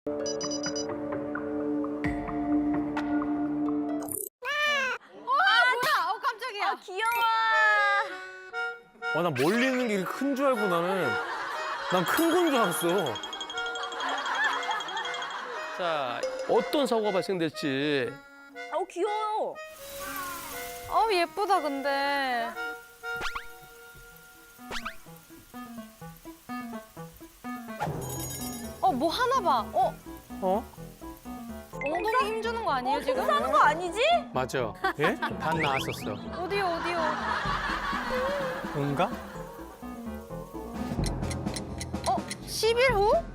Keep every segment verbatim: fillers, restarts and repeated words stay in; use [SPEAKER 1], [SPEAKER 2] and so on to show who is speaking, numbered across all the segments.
[SPEAKER 1] 아, 귀여워.
[SPEAKER 2] 아, 난 멀리 있는 게 큰 줄 알고 나는 난 큰 건 줄 알았어.
[SPEAKER 3] 자, 어떤 사고가 발생될지.
[SPEAKER 1] 어, 귀여워.
[SPEAKER 4] 어 예쁘다 근데. 어 뭐 하나 봐. 어
[SPEAKER 2] 어?
[SPEAKER 4] 엉덩이 힘주는 거 아니에요 지금?
[SPEAKER 1] 사는 거 아니지?
[SPEAKER 3] 맞아.
[SPEAKER 2] 예?
[SPEAKER 3] 반 나왔었어.
[SPEAKER 4] 어디요 어디요?
[SPEAKER 2] 응가?
[SPEAKER 4] 어 십 일 후?
[SPEAKER 1] 어,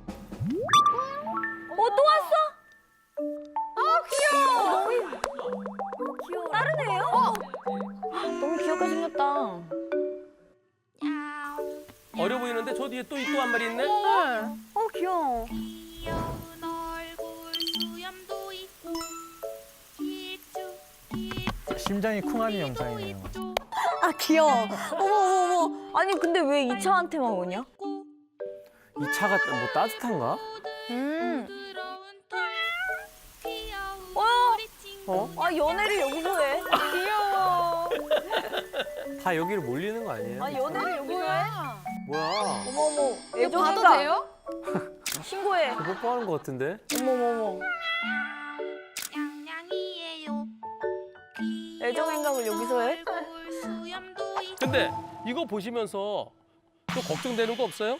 [SPEAKER 1] 또 왔어?
[SPEAKER 4] 아 귀여워.
[SPEAKER 1] 너무 귀여워. 다른 애예요? 어. 너무 귀엽게 생겼다.
[SPEAKER 3] 어려 보이는데 저 뒤에 또 또 한 마리 있네.
[SPEAKER 1] 어, 귀여워.
[SPEAKER 5] 귀여운 얼굴 수염도 있고 기쭉 기쭉
[SPEAKER 2] 심장이 쿵하는 영상이네요.
[SPEAKER 1] 아, 귀여워. 어머, 어머, 어머. 아니, 근데 왜 이 차한테만 오냐?
[SPEAKER 2] 이 차가 뭐 따뜻한가?
[SPEAKER 1] 음.
[SPEAKER 5] 부러운 털 귀여운
[SPEAKER 1] 어?
[SPEAKER 5] 우리 친구
[SPEAKER 2] 어?
[SPEAKER 1] 아, 연애를 여기서 해.
[SPEAKER 4] 귀여워.
[SPEAKER 2] 다 여기로 몰리는 거 아니에요?
[SPEAKER 1] 아, 연애를 여기서 해?
[SPEAKER 2] 뭐야?
[SPEAKER 1] 어머, 어머.
[SPEAKER 4] 이거 봐도
[SPEAKER 1] 애정인가?
[SPEAKER 4] 돼요?
[SPEAKER 1] 신고해.
[SPEAKER 2] 뽀뽀하는 거 같은데?
[SPEAKER 1] 어머, 어머, 어머.
[SPEAKER 5] 냥냥이에요
[SPEAKER 1] 애정 행각을 여기서 해?
[SPEAKER 5] 얼굴 수염도 있고
[SPEAKER 3] 근데 이거 보시면서 또 걱정되는 거 없어요?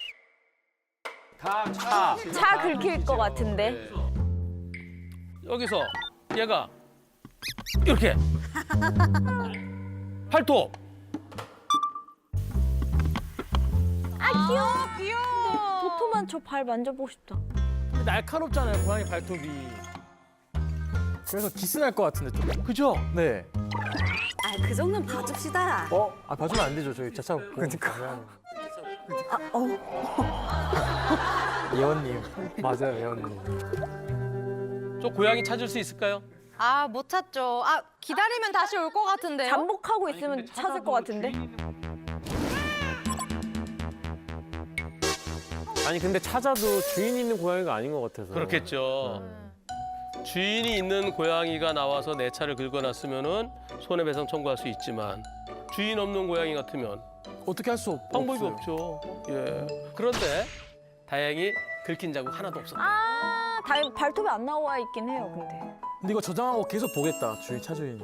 [SPEAKER 2] 다 차.
[SPEAKER 1] 차 긁힐 것 같은데.
[SPEAKER 3] 여기서 얘가 이렇게 팔톱.
[SPEAKER 1] 아, 귀여워.
[SPEAKER 4] 귀여워.
[SPEAKER 1] 도토만 저 발 만져보고 싶다.
[SPEAKER 2] 날카롭잖아요, 고양이 발톱이. 그래서 기스 날 것 같은데 좀.
[SPEAKER 3] 그죠?
[SPEAKER 2] 네.
[SPEAKER 6] 아, 그 정도는 봐줍시다.
[SPEAKER 2] 어? 아, 봐주면 안 되죠. 저희 차차 보고. 그러니까.
[SPEAKER 6] 아, 어.
[SPEAKER 2] 예원님. 맞아요, 예원님.
[SPEAKER 3] 저 고양이 찾을 수 있을까요?
[SPEAKER 4] 아 못 찾죠. 아 기다리면 다시 올 것 같은데요?
[SPEAKER 1] 잠복하고 있으면 찾을 것 같은데.
[SPEAKER 2] 아니, 근데 찾아도 주인 있는 고양이가 아닌 것 같아서.
[SPEAKER 3] 그렇겠죠. 주인이 있는 고양이가 나와서 내 차를 긁어놨으면은 손해배상 청구할 수 있지만 주인 없는 고양이 같으면
[SPEAKER 2] 어떻게 할 수 없,
[SPEAKER 3] 방법이
[SPEAKER 2] 없어요.
[SPEAKER 3] 없죠. 예. 그런데 다행히 긁힌 자국 하나도 없었다.
[SPEAKER 1] 아, 다 발톱이 안 나와 있긴 해요, 근데.
[SPEAKER 2] 근데 이거 저장하고 계속 보겠다, 주인, 차주인.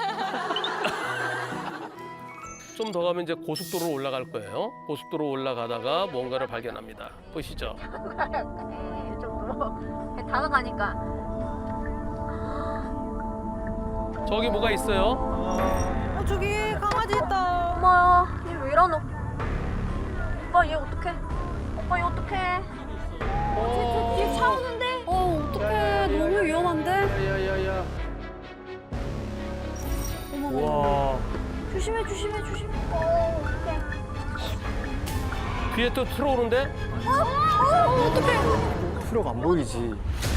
[SPEAKER 3] 좀 더 가면 이제 고속도로로 올라갈 거예요. 고속도로 올라가다가 뭔가를 발견합니다. 보시죠.
[SPEAKER 1] 다가가니까.
[SPEAKER 3] 저기 뭐가 있어요?
[SPEAKER 4] 어 저기 강아지 있다.
[SPEAKER 1] 엄마야, 얘 왜 이러노? 오빠, 얘 어떡해? 오빠, 얘 어떡해? 어, 뒤에 차 오는데?
[SPEAKER 6] 어, 어떡해. 너무 위험한데?
[SPEAKER 3] 야야야야.
[SPEAKER 2] 우와.
[SPEAKER 1] 조심해, 조심해, 조심해. 어, 어떡해.
[SPEAKER 3] 뒤에 또 들어오는데?
[SPEAKER 2] 프로가 안 보이지.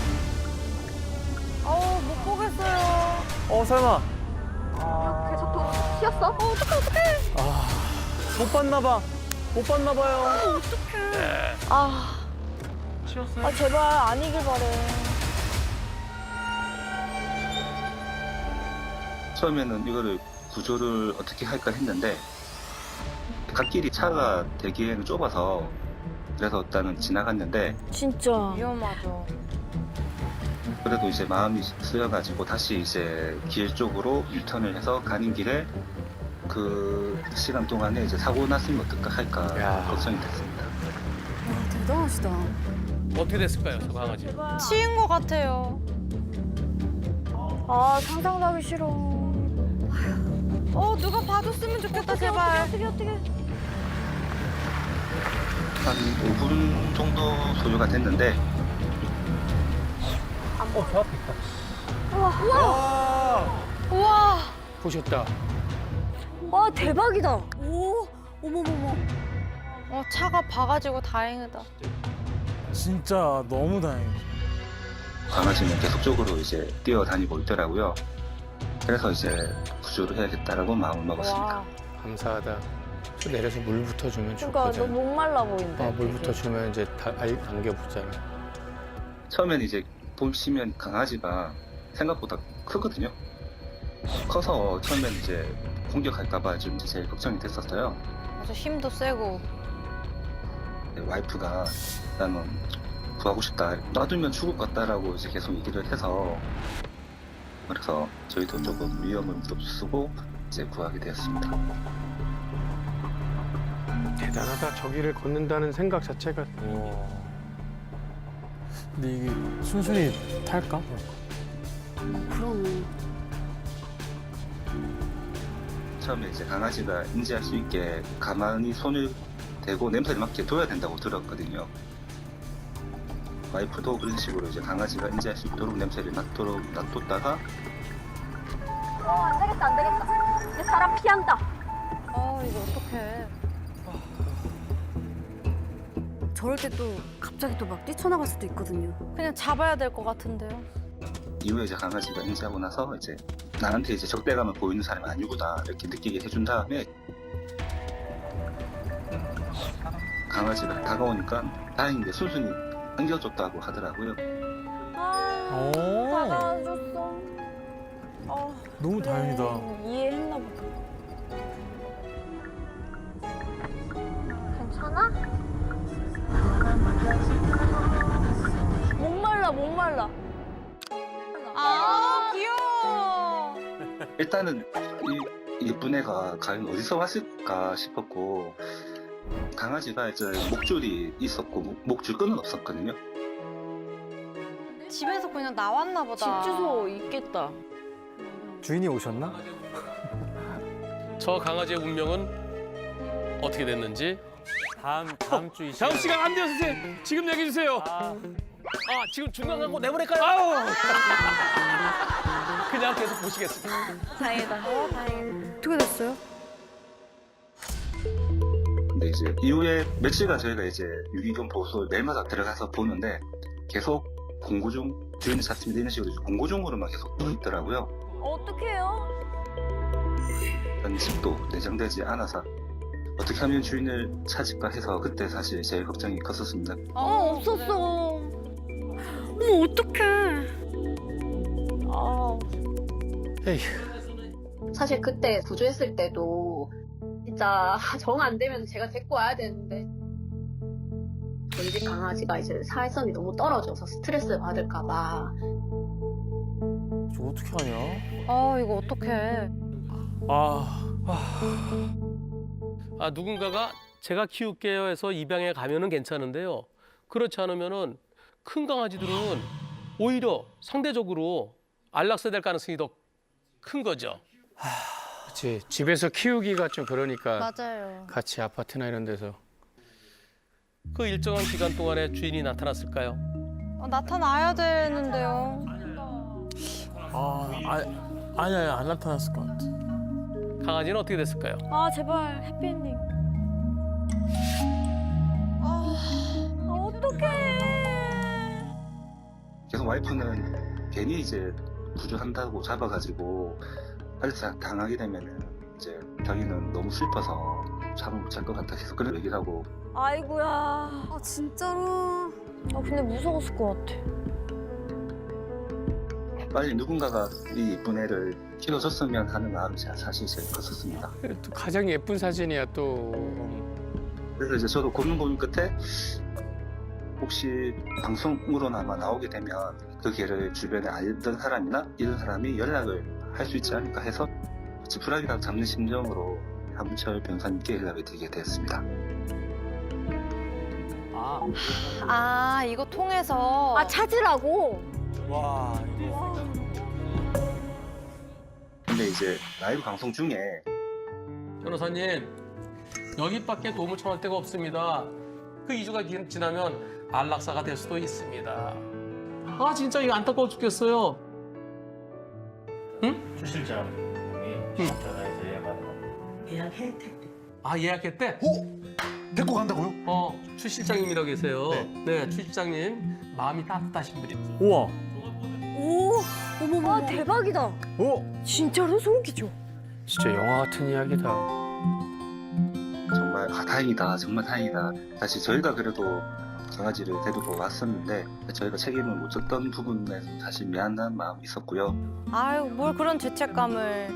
[SPEAKER 4] 어우 못 보겠어요.
[SPEAKER 2] 어, 설마.
[SPEAKER 1] 계속 도로 튀었어? 어, 어떡해, 어떡해.
[SPEAKER 2] 못 봤나 봐. 못 봤나 봐요.
[SPEAKER 1] 아. 아, 제발 아니길 바래.
[SPEAKER 7] 처음에는 이거를 구조를 어떻게 할까 했는데 갓길이 차가 되기에는 좁아서 그래서 일단은 지나갔는데
[SPEAKER 1] 진짜.
[SPEAKER 4] 위험하죠.
[SPEAKER 7] 그래도 이제 마음이 쓰여가지고 다시 이제 길 쪽으로 유턴을 해서 가는 길에 그 시간 동안에 이제 사고 났으면 어떨까 할까
[SPEAKER 2] 야.
[SPEAKER 7] 걱정이 됐습니다.
[SPEAKER 6] 와, 대단하시다.
[SPEAKER 3] 어떻게 됐을까요, 저 강아지?
[SPEAKER 4] 치인 것 같아요.
[SPEAKER 1] 아, 상상도 하기 싫어.
[SPEAKER 4] 어 누가 봐줬으면 좋겠다 제발.
[SPEAKER 1] 어떻게, 어떻게.
[SPEAKER 7] 한 오 분 정도 소요가 됐는데
[SPEAKER 2] 어, 저 앞에 있다.
[SPEAKER 4] 우와. 우와.
[SPEAKER 3] 보셨다.
[SPEAKER 1] 와, 대박이다.
[SPEAKER 6] 오, 어머머머.
[SPEAKER 4] 어 차가 봐가지고 다행이다.
[SPEAKER 2] 진짜 너무 다행이죠.
[SPEAKER 7] 강아지는 계속적으로 이제 뛰어다니고 있더라고요. 그래서 이제 구조를 해야겠다라고 마음을 먹었습니다.
[SPEAKER 4] 와.
[SPEAKER 3] 감사하다. 또 내려서 물부터 주면
[SPEAKER 1] 그러니까 너
[SPEAKER 3] 좋거든.
[SPEAKER 1] 목말라 보인다.
[SPEAKER 3] 어, 물부터 주면 이제 다, 알, 남겨보잖아.
[SPEAKER 7] 처음엔 이제 보시면 강아지가 생각보다 크거든요. 커서 처음엔 이제 공격할까봐 좀 제일 걱정이 됐었어요.
[SPEAKER 4] 아주 힘도 세고.
[SPEAKER 7] 네, 와이프가 나는 구하고 싶다. 놔두면 죽을 것 같다라고 이제 계속 얘기를 해서 그래서 저희도 조금 위험을 무릅쓰고 이제 구하게 되었습니다.
[SPEAKER 2] 대단하다. 저기를 걷는다는 생각 자체가. 근데 이게 순순히 탈까?
[SPEAKER 6] 그러네.
[SPEAKER 7] 처음에 이제 강아지가 인지할 수 있게 가만히 손을 대고 냄새를 맡게 둬야 된다고 들었거든요. 와이프도 그런 식으로 이제 강아지가 인지할 수 있도록 냄새를 맡도록 놔뒀다가
[SPEAKER 1] 어, 안 되겠다, 안 되겠다. 이제 사람 피한다.
[SPEAKER 4] 아 이거 어떡해.
[SPEAKER 6] 저럴 때 또 갑자기 또 막 뛰쳐나갈 수도 있거든요.
[SPEAKER 4] 그냥 잡아야 될 것 같은데요.
[SPEAKER 7] 이후에 이제 강아지가 인지하고 나서 이제 나한테 이제 적대감을 보이는 사람이 아니구나 이렇게 느끼게 해준 다음에 강아지가 다가오니까 다행인데 순순히 안겨줬다고 하더라고요.
[SPEAKER 1] 아,
[SPEAKER 2] 오.
[SPEAKER 1] 받아줬어. 어,
[SPEAKER 2] 너무
[SPEAKER 1] 그래,
[SPEAKER 2] 다행이다.
[SPEAKER 1] 이해했나 보다. 괜찮아? 목말라, 목말라.
[SPEAKER 4] 아 귀여워.
[SPEAKER 7] 일단은 이 예쁜 애가 과연 어디서 왔을까 싶었고 강아지가 이제 목줄이 있었고 목- 목줄끈은 없었거든요.
[SPEAKER 4] 집에서 그냥 나왔나 보다.
[SPEAKER 1] 집 주소 있겠다.
[SPEAKER 2] 주인이 오셨나?
[SPEAKER 3] 저 강아지의 운명은 어떻게 됐는지
[SPEAKER 2] 다음 다음 주 이 시간.
[SPEAKER 3] 다음 시간 안 돼요, 선생님. 지금 얘기해 주세요.
[SPEAKER 2] 아,
[SPEAKER 3] 아, 지금 중간 광고 내보낼까요? 아우. 그냥 계속 보시겠습니다.
[SPEAKER 1] 다행이다. 어, 다행이다.
[SPEAKER 6] 어떻게 됐어요?
[SPEAKER 7] 근데 이제 이후에 며칠간 저희가 이제 유기견 보호소에 매일마다 들어가서 보는데 계속 공고 중 주인을 찾습니다 이런 식으로 공고 중으로만 계속 떠 있더라고요.
[SPEAKER 1] 어떡해요?
[SPEAKER 7] 일단 집도 내장되지 않아서 어떻게 하면 주인을 찾을까 해서 그때 사실 제일 걱정이 컸었습니다.
[SPEAKER 1] 어, 없었어.
[SPEAKER 6] 어머 어떡해.
[SPEAKER 1] 아,
[SPEAKER 8] 사실 그때 구조했을 때도 진짜 정 안 되면 제가 데리고 와야 되는데 저희 집 강아지가 이제 사회성이 너무 떨어져서 스트레스 받을까봐
[SPEAKER 2] 저 어떻게 하냐?
[SPEAKER 4] 아 이거 어떡해.
[SPEAKER 2] 아,
[SPEAKER 3] 아, 누군가가 제가 키울게요 해서 입양해 가면은 괜찮은데요. 그렇지 않으면은 큰 강아지들은 오히려 상대적으로 안락사될 가능성이 더 큰 거죠.
[SPEAKER 9] 그치. 집에서 키우기가 좀 그러니까
[SPEAKER 4] 맞아요.
[SPEAKER 9] 같이 아파트나 이런 데서.
[SPEAKER 3] 그 일정한 기간 동안에 주인이 나타났을까요?
[SPEAKER 4] 어, 나타나야 되는데요.
[SPEAKER 2] 아, 아, 아니 아니 안 나타났을 것 같아.
[SPEAKER 3] 강아지는 어떻게 됐을까요?
[SPEAKER 1] 아 제발 해피엔딩. 아, 어떡해.
[SPEAKER 7] 계속 와이프는 괜히 이제 구조한다고 잡아가지고 발사 당하게 되면은 이제 자기는 너무 슬퍼서 잠을 못 잘 것 같아 계속 그런 얘기를 하고
[SPEAKER 1] 아이고야.
[SPEAKER 6] 아 진짜로.
[SPEAKER 1] 아 근데 무서웠을 것 같아.
[SPEAKER 7] 빨리 누군가가 이 예쁜 애를 키워줬으면 하는 마음이 제가 사실 제일 컸었습니다.
[SPEAKER 9] 또 가장 예쁜 사진이야 또.
[SPEAKER 7] 그래서 이제 저도 고민 고민 끝에 혹시 방송으로나마 나오게 되면 그 개를 주변에 알던 사람이나 이런 사람이 연락을 할 수 있지 않을까 해서 지푸라기라도 잡는 심정으로 함철 변호사님께 연락을 드리게 되었습니다.
[SPEAKER 2] 아,
[SPEAKER 4] 아 이거 통해서.
[SPEAKER 1] 아 찾으라고.
[SPEAKER 2] 와, 이거.
[SPEAKER 7] 근데 이제 라이브 방송 중에
[SPEAKER 3] 변호사님, 여기밖에 도움을 청할 데가 없습니다. 그 이 주가 지나면 안락사가 될 수도 있습니다. 아 진짜 이거 안타까워 죽겠어요. 응?
[SPEAKER 10] 추 실장이 전화해서 예약하는
[SPEAKER 11] 예약했대.
[SPEAKER 3] 아 예약했대?
[SPEAKER 10] 오! 데리고 간다고요?
[SPEAKER 3] 어, 추 실장님이라고 계세요.
[SPEAKER 10] 네.
[SPEAKER 3] 네, 추 실장님 마음이 따뜻하신 분이.
[SPEAKER 2] 우와.
[SPEAKER 6] 오. 어머머.
[SPEAKER 1] 아 대박이다.
[SPEAKER 2] 오.
[SPEAKER 1] 진짜로 소름끼쳐.
[SPEAKER 9] 진짜 영화 같은 이야기다.
[SPEAKER 7] 정말 아 다행이다 정말 다행이다. 사실 저희가 그래도 강아지를 데리고 왔었는데 저희가 책임을 못 졌던 부분에서 사실 미안한 마음이 있었고요.
[SPEAKER 4] 아유, 뭘 그런 죄책감을.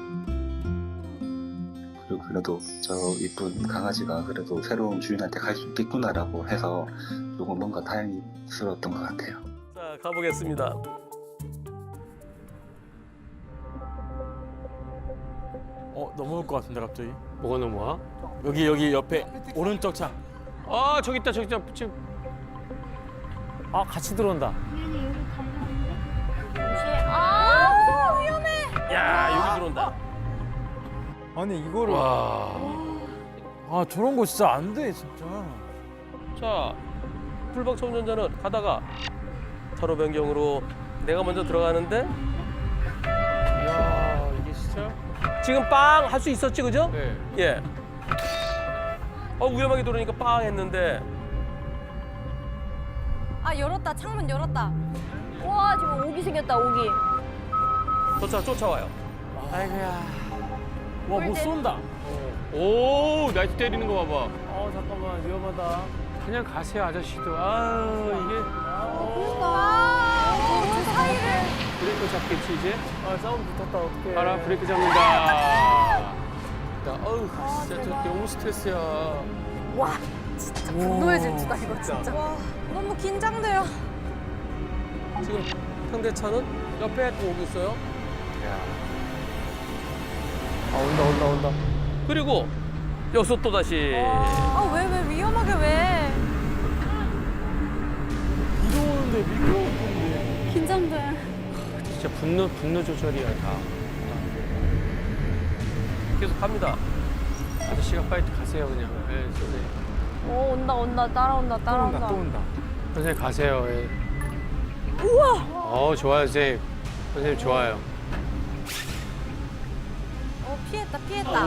[SPEAKER 7] 그리고 그래도 저 이쁜 강아지가 그래도 새로운 주인한테 갈 수 있겠구나라고 해서 조금 뭔가 다행스러웠던 것 같아요.
[SPEAKER 3] 자, 가보겠습니다.
[SPEAKER 2] 어 넘어올 것 같은데 갑자기.
[SPEAKER 9] 뭐가 넘어와?
[SPEAKER 2] 여기 여기 옆에 오른쪽 창.
[SPEAKER 9] 아 저기 있다 저기 있다 지금.
[SPEAKER 2] 아 같이 들어온다.
[SPEAKER 1] 아 위험해.
[SPEAKER 3] 야, 여기 들어온다.
[SPEAKER 2] 아니 이거를.
[SPEAKER 9] 와.
[SPEAKER 2] 아 저런 거 진짜 안 돼 진짜.
[SPEAKER 3] 자, 풀박차 운전자는 가다가 차로 변경으로 내가 먼저 들어가는데
[SPEAKER 9] 야 이게 진짜.
[SPEAKER 3] 지금 빵 할 수 있었지, 그죠?
[SPEAKER 9] 네.
[SPEAKER 3] 예. 어, 위험하게 들어오니까 빵 했는데
[SPEAKER 4] 아, 열었다. 창문 열었다.
[SPEAKER 1] 와 지금 오기 생겼다 오기.
[SPEAKER 3] 쫓아 쫓아와요.
[SPEAKER 2] 아이고야. 와 못 쏜다.
[SPEAKER 9] 오 나이트 때리는 거 봐봐.
[SPEAKER 2] 어 잠깐만 위험하다.
[SPEAKER 9] 그냥 가세요 아저씨도. 아 이게
[SPEAKER 4] 아, 저 사이를.
[SPEAKER 9] 브레이크 잡겠지 이제.
[SPEAKER 2] 아 싸움 붙었다 어떡해.
[SPEAKER 9] 봐라 브레이크 잡는다. 나 어우 진짜 저 너무 스트레스야.
[SPEAKER 6] 와 진짜 분노의 질주다 이거 진짜.
[SPEAKER 4] 와, 너무 긴장돼요.
[SPEAKER 3] 지금 상대차는 옆에 또 오고 있어요.
[SPEAKER 2] 아 온다 온다 온다.
[SPEAKER 3] 그리고 여기서 또 다시
[SPEAKER 4] 아, 왜, 왜, 위험하게 왜.
[SPEAKER 2] 이도 오는데 미끄러운데.
[SPEAKER 6] 긴장돼.
[SPEAKER 9] 진짜 분노 분노 조절이야 다.
[SPEAKER 3] 계속 갑니다.
[SPEAKER 9] 아저씨가 빨리 가세요 그냥. 예, 선생님.
[SPEAKER 1] 어 온다 온다 따라온다
[SPEAKER 2] 또
[SPEAKER 1] 따라온다.
[SPEAKER 2] 온다 또 온다.
[SPEAKER 9] 선생님 가세요. 예. 우와. 어 좋아요 선생님. 선생님 좋아요.
[SPEAKER 4] 어, 피했다, 피했다.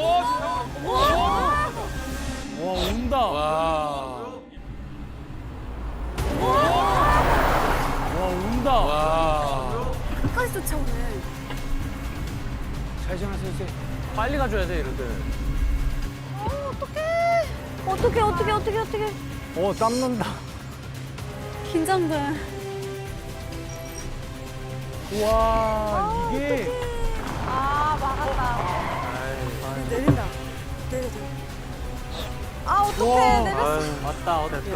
[SPEAKER 2] 와 온다.
[SPEAKER 9] 와.
[SPEAKER 2] 와 온다.
[SPEAKER 9] 와.
[SPEAKER 6] 끝까지 쫓아오네.
[SPEAKER 9] 잘 지나세요 선생님. 빨리 가줘야 돼 이럴 때는.
[SPEAKER 1] 어떻게 어떻게 어떻게 어떻게.
[SPEAKER 2] 어 땀난다.
[SPEAKER 6] 긴장돼.
[SPEAKER 2] 와 이게.
[SPEAKER 4] 아, 막았다.
[SPEAKER 6] 내린다. 내려 내려.
[SPEAKER 4] 아, 어떡해. 내렸어.
[SPEAKER 9] 아유
[SPEAKER 2] 맞다 어떡해.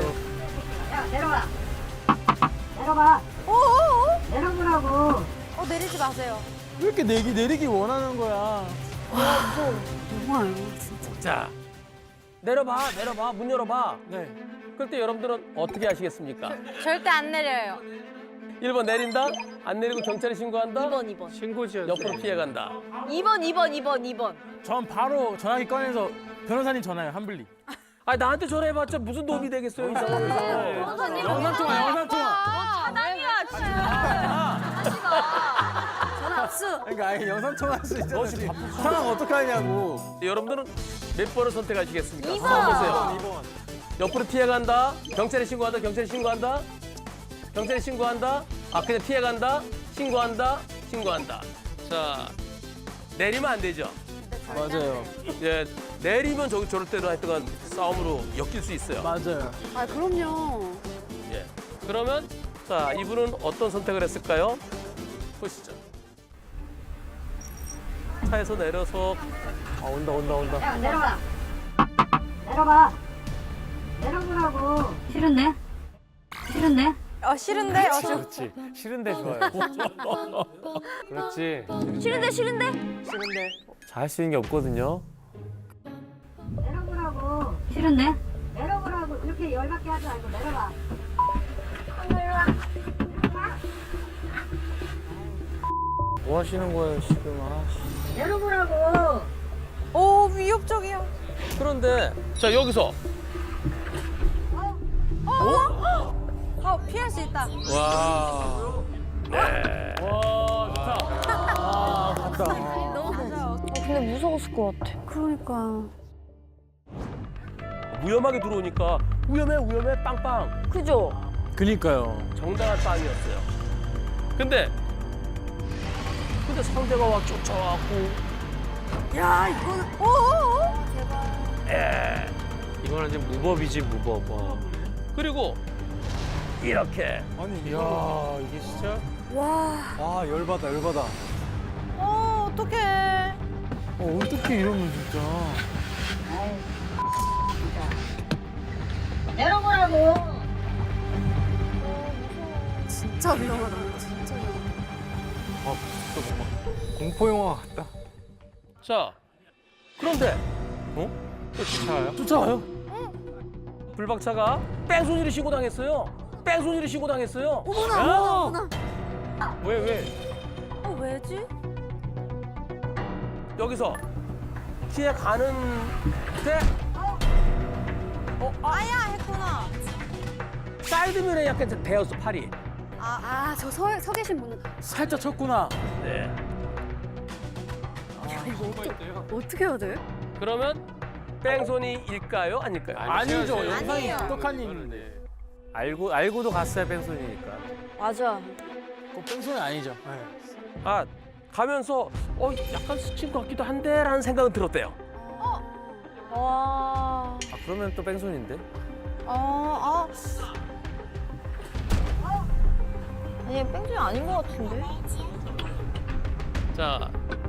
[SPEAKER 4] 어어어? 내려보라고. 어, 내리지 마세요.
[SPEAKER 2] 왜 이렇게 내기 내리기 원하는 거야.
[SPEAKER 6] 정말 진짜.
[SPEAKER 3] 자, 내려봐 내려봐 문 열어봐.
[SPEAKER 2] 네.
[SPEAKER 3] 그럴 때 여러분들은 어떻게 하시겠습니까?
[SPEAKER 4] 절대 안 내려요.
[SPEAKER 3] 일 번 내린다? 안 내리고 경찰에 신고한다?
[SPEAKER 1] 이 번 이 번.
[SPEAKER 9] 신고지요.
[SPEAKER 3] 옆으로 피해간다.
[SPEAKER 1] 이 번 이 번 이 번 이 번.
[SPEAKER 2] 전 바로 전화기 꺼내서 변호사님 전화해요 한블리.
[SPEAKER 3] 아, 나한테 전화해봤자 무슨 도움이 되겠어요 이 상황에서.
[SPEAKER 1] 변호사님.
[SPEAKER 2] 영상 통화 영상 통화.
[SPEAKER 1] 차당이야 진짜.
[SPEAKER 6] 전화 압수.
[SPEAKER 2] 그러니까 아예 영상 통화할 수 있잖아. 지금 상황 어떡하냐고.
[SPEAKER 3] 여러분들은 몇 번을 선택하시겠습니까?
[SPEAKER 1] 이 번.
[SPEAKER 3] 한번 보세요.
[SPEAKER 2] 이 번.
[SPEAKER 3] 옆으로 피해간다. 경찰에 신고한다. 경찰에 신고한다. 경찰에 신고한다. 아, 그냥 피해간다. 신고한다. 신고한다. 자, 내리면 안 되죠.
[SPEAKER 2] 맞아요.
[SPEAKER 3] 예, 내리면 저 저럴 때도 하여튼간 싸움으로 엮일 수 있어요.
[SPEAKER 2] 맞아요.
[SPEAKER 6] 아 그럼요.
[SPEAKER 3] 예. 그러면 자, 이분은 어떤 선택을 했을까요? 보시죠. 차에서 내려서
[SPEAKER 2] 아 온다 온다 온다.
[SPEAKER 8] 내려봐. 내려봐. 내려보라고.
[SPEAKER 6] 싫은데? 싫은데?
[SPEAKER 4] 어, 싫은데? 어, 저,
[SPEAKER 2] 그렇지. 싫은데 좋아요.
[SPEAKER 9] 그렇지.
[SPEAKER 1] 싫은데 싫은데.
[SPEAKER 2] 싫은데. 잘 수 있는 게 없거든요.
[SPEAKER 8] 내려보라고.
[SPEAKER 6] 싫은데?
[SPEAKER 8] 내려보라고. 이렇게 열받게 하지 말고 내려봐.
[SPEAKER 2] 뭐 하시는 거예요 지금? 아.
[SPEAKER 8] 내려보라고.
[SPEAKER 4] 오, 위협적이야.
[SPEAKER 3] 그런데 자, 여기서
[SPEAKER 4] 어, 피할 수 있다.
[SPEAKER 9] 와.
[SPEAKER 2] 와 좋다. 아 맞다.
[SPEAKER 4] 맞아요.
[SPEAKER 1] 어, 근데 무서웠을 것 같아.
[SPEAKER 6] 그러니까.
[SPEAKER 3] 위험하게 들어오니까 위험해 위험해 빵빵.
[SPEAKER 1] 그죠?
[SPEAKER 2] 그니까요.
[SPEAKER 3] 정당한 빵이었어요. 근데 근데 상대가 와 쫓아왔고
[SPEAKER 6] 야 이거는.
[SPEAKER 3] 에
[SPEAKER 9] 이거는 이제 무법이지 무법. 와.
[SPEAKER 3] 그리고 이렇게.
[SPEAKER 9] 아니 이야 이게 진짜.
[SPEAKER 6] 와.
[SPEAKER 9] 아 열받아 열받아.
[SPEAKER 4] 어, 어떡해.
[SPEAKER 9] 어 어떻게 이러면 진짜.
[SPEAKER 6] 진짜 위험하다. 진짜 위험하다.
[SPEAKER 9] 아 진짜 뭔가 공포 영화 같다.
[SPEAKER 3] 자, 그런데
[SPEAKER 9] 또 쫓아와요?
[SPEAKER 3] 쫓아와요. 불박차가 뺑소니를 신고당했어요. 뺑소니를 신고당했어요.
[SPEAKER 6] 어머나,
[SPEAKER 3] 야!
[SPEAKER 6] 어머나, 어머나.
[SPEAKER 9] 왜 왜?
[SPEAKER 6] 어, 왜지?
[SPEAKER 3] 여기서 뒤에 가는데 어,
[SPEAKER 4] 아야 했구나.
[SPEAKER 3] 사이드mir러에 약간 베었어 팔이.
[SPEAKER 6] 아, 아, 저 서, 서 계신 분은.
[SPEAKER 3] 살짝 쳤구나. 네.
[SPEAKER 6] 야, 이거 어떡, 어떻게 해야 돼?
[SPEAKER 3] 그러면 뺑소니일까요, 아닐까요?
[SPEAKER 2] 아니죠.
[SPEAKER 4] 아니에요.
[SPEAKER 2] 영상이
[SPEAKER 4] 아니에요.
[SPEAKER 2] 똑똑한 일인데. 알고 알고도 갔어야 뺑소니니까.
[SPEAKER 6] 맞아.
[SPEAKER 2] 그 뺑소니 아니죠.
[SPEAKER 3] 아, 가면서 어 약간 스친 것 같기도 한데라는 생각은 들었대요.
[SPEAKER 6] 와.
[SPEAKER 2] 아 그러면 또 뺑소니인데?
[SPEAKER 4] 어, 아.
[SPEAKER 1] 아니 뺑소니 아닌 것 같은데.
[SPEAKER 3] 자,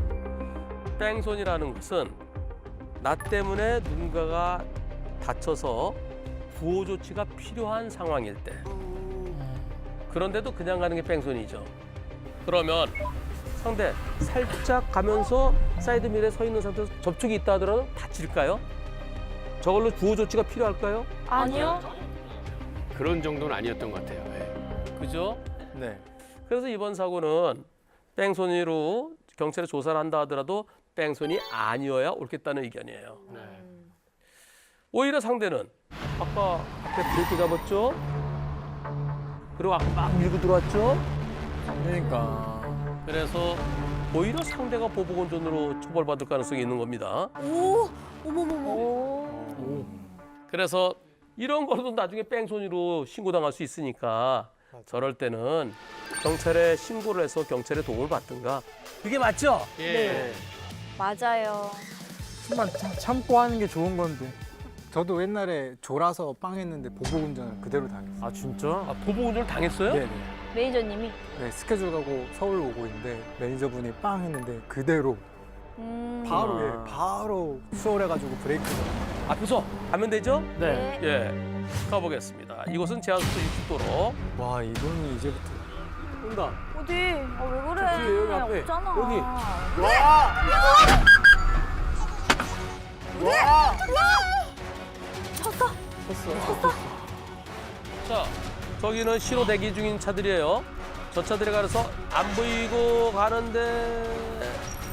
[SPEAKER 3] 뺑소니라는 것은 나 때문에 누군가가 다쳐서 구호 조치가 필요한 상황일 때. 그런데도 그냥 가는 게 뺑소니죠. 그러면 상대 살짝 가면서 사이드밀에 서 있는 상태에서 접촉이 있다 하더라도 다칠까요? 저걸로 구호 조치가 필요할까요?
[SPEAKER 1] 아니요.
[SPEAKER 9] 그런 정도는 아니었던 것 같아요. 네.
[SPEAKER 3] 그죠?
[SPEAKER 2] 네.
[SPEAKER 3] 그래서 이번 사고는 뺑소니로 경찰에 조사를 한다 하더라도 뺑소니 아니어야 옳겠다는 의견이에요.
[SPEAKER 9] 네.
[SPEAKER 3] 오히려 상대는 아까 앞에 브레이크 잡았죠? 그리고 아까 막 밀고 들어왔죠?
[SPEAKER 2] 그러니까.
[SPEAKER 3] 그래서 오히려 상대가 보복운전으로 처벌받을 가능성이 있는 겁니다.
[SPEAKER 6] 오, 어머머머.
[SPEAKER 2] 오.
[SPEAKER 3] 그래서 이런 거도 나중에 뺑소니로 신고당할 수 있으니까 저럴 때는 경찰에 신고를 해서 경찰의 도움을 받든가. 그게 맞죠?
[SPEAKER 9] 예.
[SPEAKER 1] 맞아요.
[SPEAKER 11] 좀만 참- 참고 하는 게 좋은 건데. 저도 옛날에 졸아서 빵 했는데 보복운전을 그대로 당했어요.
[SPEAKER 2] 아 진짜?
[SPEAKER 3] 아, 보복운전을 당했어요?
[SPEAKER 11] 네네.
[SPEAKER 1] 매니저님이.
[SPEAKER 11] 네, 스케줄 가고 서울 오고 있는데 매니저분이 빵 했는데 그대로
[SPEAKER 1] 음.
[SPEAKER 11] 바로
[SPEAKER 2] 아.
[SPEAKER 11] 예, 바로 수월해가지고 브레이크가.
[SPEAKER 3] 앞에서 가면 되죠?
[SPEAKER 2] 네.
[SPEAKER 3] 예, 가보겠습니다. 이곳은 제한속도 육십 도로.
[SPEAKER 11] 와 이거는 이제부터.
[SPEAKER 2] 온다.
[SPEAKER 1] 어디? 아, 왜 그래?
[SPEAKER 2] 저기, 여기 앞에.
[SPEAKER 1] 없잖아.
[SPEAKER 2] 여기.
[SPEAKER 3] 자, 저기는 신호 대기 중인 차들이에요. 저 차들에 가서 안 보이고 가는데.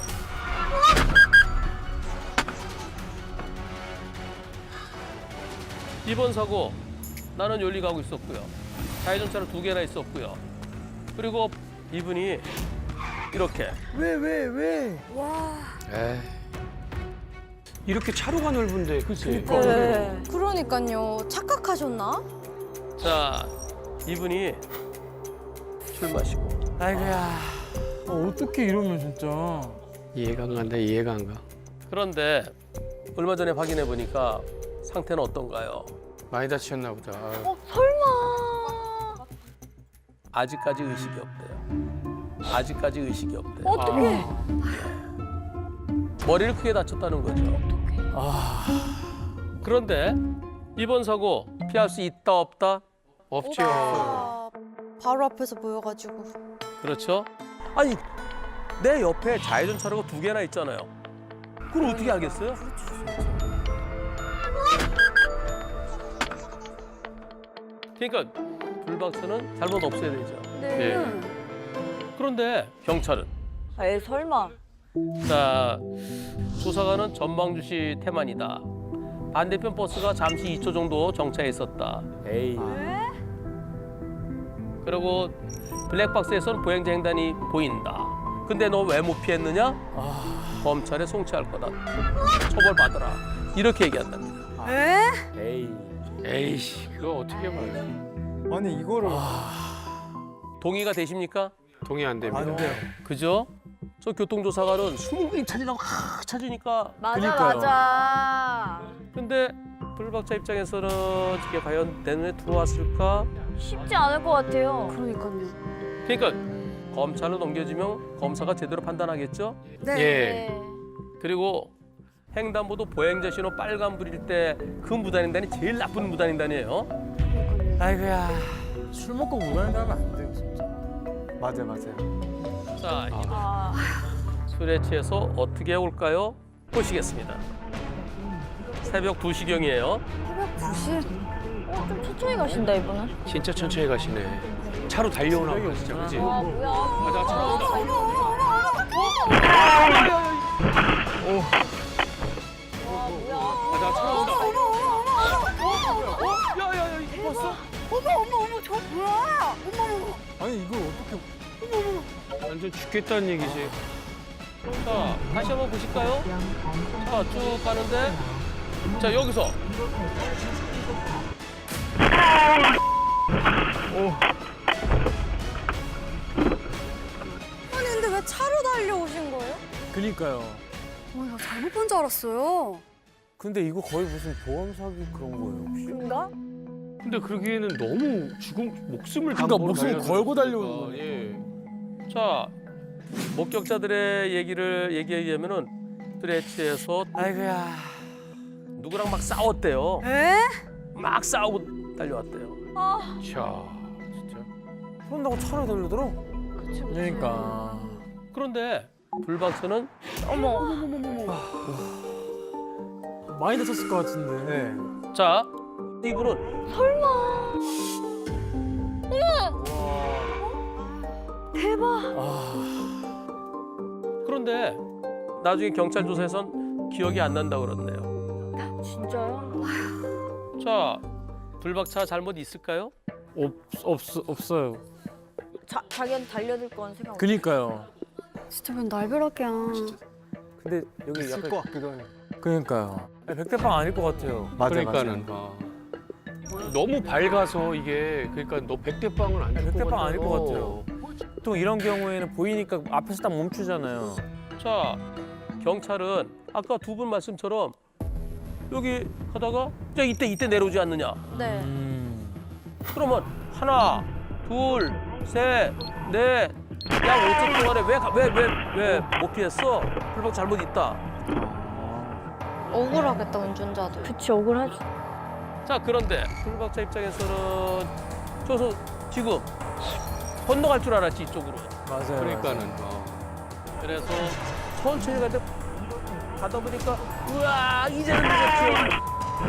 [SPEAKER 3] 이번 사고 나는 열리 가고 있었고요. 좌회전차로 두 개나 있었고요. 그리고 이분이 이렇게
[SPEAKER 11] 왜 왜 왜?
[SPEAKER 9] 에이. 이렇게 차로가 넓은데, 그치?
[SPEAKER 4] 네. 그러니까요. 착각하셨나?
[SPEAKER 3] 자 이분이 술 마시고
[SPEAKER 2] 아이고야.
[SPEAKER 11] 어, 어떻게 이러면 진짜.
[SPEAKER 9] 이해가 안 간다, 이해가 안 가.
[SPEAKER 3] 그런데 얼마 전에 확인해 보니까 상태는 어떤가요?
[SPEAKER 9] 많이 다치셨나 보다. 아유.
[SPEAKER 1] 어, 설마.
[SPEAKER 3] 아직까지 의식이 없대요. 아직까지 의식이 없대요.
[SPEAKER 1] 어떡해.
[SPEAKER 3] 머리를 크게 다쳤다는 거죠.
[SPEAKER 2] 아.
[SPEAKER 3] 그런데 이번 사고 피할 수 있다 없다?
[SPEAKER 9] 없죠.
[SPEAKER 4] 아, 바로 앞에서 보여가지고.
[SPEAKER 3] 그렇죠? 아니 내 옆에 좌회전 차로가 두 개나 있잖아요. 그걸 어떻게 알겠어요? 그러니까 불박차는 잘못 없애야 되죠.
[SPEAKER 9] 네.
[SPEAKER 3] 그런데 경찰은
[SPEAKER 1] 에이, 설마.
[SPEAKER 3] 자, 조사관은 전방주시 태만이다. 반대편 버스가 잠시 이 초 정도 정차해 있었다.
[SPEAKER 2] 에이.
[SPEAKER 3] 그리고 블랙박스에서는 보행자 횡단이 보인다. 근데 너 왜 못 피했느냐? 검찰에 송치할 거다. 처벌받아라. 이렇게 얘기한답니다.
[SPEAKER 2] 에이.
[SPEAKER 9] 에이씨, 그거 어떻게 말해.
[SPEAKER 11] 아니 이거를
[SPEAKER 3] 동의가 되십니까?
[SPEAKER 9] 동의 안 됩니다.
[SPEAKER 11] 안 돼요.
[SPEAKER 3] 그죠? 저 교통조사관은 숨을 찾으려고 막 찾으니까
[SPEAKER 1] 맞아,
[SPEAKER 11] 그니까요.
[SPEAKER 1] 맞아.
[SPEAKER 3] 근데 불박차 입장에서는 이게 과연 내 눈에 들어왔을까?
[SPEAKER 1] 쉽지 않을 것 같아요.
[SPEAKER 6] 그러니까요.
[SPEAKER 3] 그러니까 검찰로 넘겨지면 검사가 제대로 판단하겠죠?
[SPEAKER 6] 네.
[SPEAKER 3] 예. 그리고 횡단보도 보행자 신호 빨간불일 때 그 무단횡단이 제일 나쁜 무단횡단이에요.
[SPEAKER 2] 아이고야.
[SPEAKER 11] 술 먹고 무단횡단하면 안 돼요, 진짜. 맞아요, 맞아요.
[SPEAKER 3] 자, 이
[SPEAKER 1] 아,
[SPEAKER 3] 술에 취해서 어떻게 올까요? 보시겠습니다. 새벽 두 시경이에요.
[SPEAKER 6] 새벽 두 시?
[SPEAKER 1] 어, 좀 천천히 가신다 이분은.
[SPEAKER 9] 진짜 천천히 가시네. 차로 달려오나 보다 진짜, 그지?
[SPEAKER 1] 아 뭐야?
[SPEAKER 3] 맞아, 차로 온다. 맞아, 차로 온다. 야야야, 이거 봤어?
[SPEAKER 11] 아니, 이걸 어떻게.
[SPEAKER 9] 완전 죽겠다는 얘기지.
[SPEAKER 3] 자, 다시 한번 보실까요? 자, 쭉 가는데. 자, 여기서.
[SPEAKER 6] 아니 근데 왜 차로 달려오신 거예요?
[SPEAKER 11] 그니까요.
[SPEAKER 6] 어, 나 잘못 본 줄 알았어요.
[SPEAKER 2] 근데 이거 거의 무슨 보험 사기 그런 거예요, 혹시?
[SPEAKER 1] 그런가?
[SPEAKER 9] 근데 그러기에는 너무 죽음 목숨을
[SPEAKER 11] 그러니까
[SPEAKER 9] 담보로
[SPEAKER 11] 목숨을
[SPEAKER 9] 달려드는
[SPEAKER 11] 걸고
[SPEAKER 9] 거니까.
[SPEAKER 11] 달려오는 거네.
[SPEAKER 9] 예.
[SPEAKER 3] 자, 목격자들의 얘기를 얘기해 주면은 술에 취해서
[SPEAKER 2] 아이고야.
[SPEAKER 3] 누구랑 막 싸웠대요.
[SPEAKER 6] 에?
[SPEAKER 3] 막 싸우고 달려왔대요.
[SPEAKER 1] 아,
[SPEAKER 9] 자, 진짜.
[SPEAKER 2] 그런다고 차로 달려들어?
[SPEAKER 11] 그러니까.
[SPEAKER 3] 그런데 불박차는
[SPEAKER 1] 어머.
[SPEAKER 11] 많이 다쳤을 것 같은데.
[SPEAKER 3] 자, 이분은
[SPEAKER 1] 대박.
[SPEAKER 3] 그런데 나중에 경찰 조사에선 기억이 안 난다 그러네요.
[SPEAKER 1] 진짜요?
[SPEAKER 3] 자, 불박차 잘못 있을까요?
[SPEAKER 11] 없, 없, 없어요.
[SPEAKER 1] 자, 자기한테 달려들 건 생각. 없
[SPEAKER 11] 그니까요.
[SPEAKER 6] 진짜 웬 날벼락이야.
[SPEAKER 2] 근데 여기
[SPEAKER 11] 있을
[SPEAKER 2] 약간
[SPEAKER 11] 것 같기도 해요. 그니까요.
[SPEAKER 2] 백대빵 아닐 것 같아요.
[SPEAKER 11] 맞아,
[SPEAKER 9] 그러니까는 아. 너무 밝아서 이게 그러니까 너 백대빵은 아닐 것
[SPEAKER 2] 백대빵
[SPEAKER 9] 같아요.
[SPEAKER 2] 아닐 것 같아요. 보통 이런 경우에는 보이니까 앞에서 딱 멈추잖아요.
[SPEAKER 3] 자, 경찰은 아까 두 분 말씀처럼 여기 가다가 자 이때 이때 내려오지 않느냐?
[SPEAKER 1] 네.
[SPEAKER 11] 음.
[SPEAKER 3] 그러면 하나, 둘, 셋, 넷, 약 오 초 동안에 왜 왜 왜 왜 못 피했어? 불박 잘못 있다.
[SPEAKER 4] 억울하겠다 운전자들.
[SPEAKER 1] 그치 억울하지.
[SPEAKER 3] 자, 그런데 불박차 입장에서는 저서 지금 건너갈 줄 알았지 이쪽으로.
[SPEAKER 11] 맞아요.
[SPEAKER 9] 그러니까는 어.
[SPEAKER 3] 그래서 천천히 가다 가다 보니까 우와 이제는 늦었죠.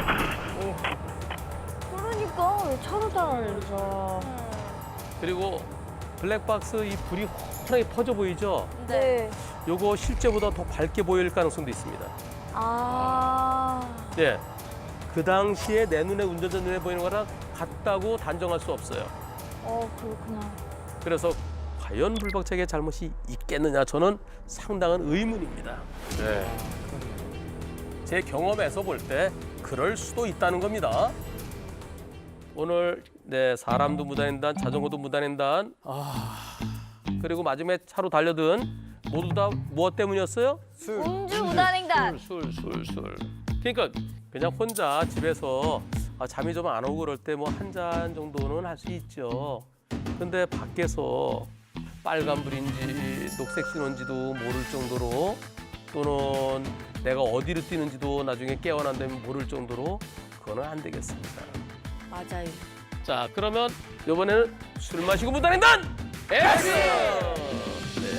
[SPEAKER 1] 그러니까 왜 차로 달려?
[SPEAKER 3] 그리고 블랙박스 이 불이 환하게 퍼져 보이죠?
[SPEAKER 1] 네.
[SPEAKER 3] 요거 실제보다 더 밝게 보일 가능성도 있습니다.
[SPEAKER 1] 아.
[SPEAKER 3] 예. 그 당시에 내 눈에 운전자 눈에 보이는 거랑 같다고 단정할 수 없어요.
[SPEAKER 1] 어 그렇구나.
[SPEAKER 3] 그래서 과연 불박차의 잘못이 있겠느냐 저는 상당한 의문입니다.
[SPEAKER 9] 네.
[SPEAKER 3] 제 경험에서 볼 때 그럴 수도 있다는 겁니다. 오늘 네 사람도 무단횡단, 자전거도 무단횡단,
[SPEAKER 11] 아.
[SPEAKER 3] 그리고 마지막에 차로 달려든 모두 다 무엇 때문이었어요?
[SPEAKER 11] 술.
[SPEAKER 1] 음주 무단횡단.
[SPEAKER 3] 술, 술, 술. 그러니까 그냥 혼자 집에서 아, 잠이 좀 안 오고 그럴 때 뭐 한 잔 정도는 할 수 있죠. 근데 밖에서 빨간불인지 녹색 신호인지도 모를 정도로 또는 내가 어디로 뛰는지도 나중에 깨어난 다음에 모를 정도로 그거는 안 되겠습니다.
[SPEAKER 1] 맞아요.
[SPEAKER 3] 자, 그러면 이번에는 술 마시고 무단횡단! 엑스! 네.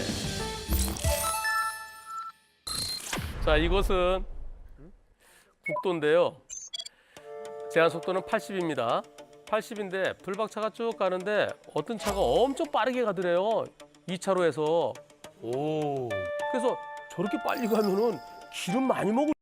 [SPEAKER 3] 자, 이곳은 국도인데요. 제한 속도는 팔십입니다. 팔십인데 불박차가 쭉 가는데 어떤 차가 엄청 빠르게 가더래요. 이 차로에서.
[SPEAKER 9] 오.
[SPEAKER 3] 그래서 저렇게 빨리 가면은 기름 많이 먹을